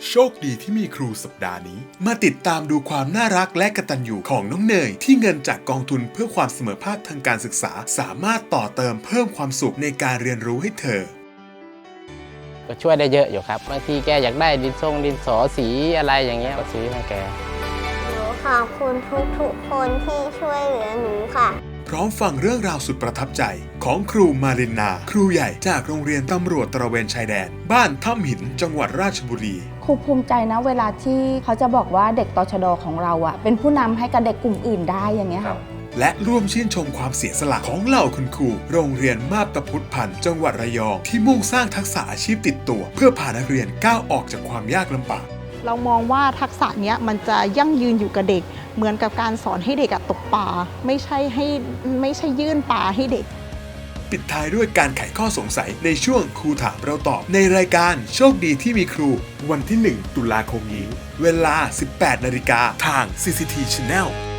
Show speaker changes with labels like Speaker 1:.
Speaker 1: โชคดีที่มีครูสัปดาห์นี้มาติดตามดูความน่ารักและกตัญญูของน้องเนยที่เงินจากกองทุนเพื่อความเสมอภาคทางการศึกษาสามารถต่อเติมเพิ่มความสุขในการเรียนรู้ให้เธอ
Speaker 2: ก็ช่วยได้เยอะอยู่ครับบางทีแกอยากได้ดินสอสีอะไรอย่างเงี้ยก็ซื้อให้แก
Speaker 3: หนูขอบคุณทุกคนที่ช่วยเหลือหนูค่ะ
Speaker 1: พร้อมฟังเรื่องราวสุดประทับใจของครูมารินนาครูใหญ่จากโรงเรียนตำรวจตระเวนชายแดนบ้านถ้ำหินจังหวัดราชบุรี
Speaker 4: ครูภูมิใจนะเวลาที่เขาจะบอกว่าเด็กตชด.ของเราเป็นผู้นำให้กับเด็กกลุ่มอื่นได้อย่างเงี้ยค่ะ
Speaker 1: และร่วมชื่นชมความเสียสละของเหล่าคุณครูโรงเรียนมาบตาพุทธพันธ์จังหวัดระยองที่มุ่งสร้างทักษะอาชีพติดตัวเพื่อพานักเรียนก้าวออกจากความยากลำบาก
Speaker 5: เรามองว่าทักษะเนี้ยมันจะยั่งยืนอยู่กับเด็กเหมือนกับการสอนให้เด็กตกปลาไม่ใช่ยื่นปลาให้เด็ก
Speaker 1: ปิดท้ายด้วยการไขข้อสงสัยในช่วงครูถามเราตอบในรายการโชคดีที่มีครูวันที่ 1 ตุลาคมนี้เวลา 18 นาฬิกาทาง CCT Channel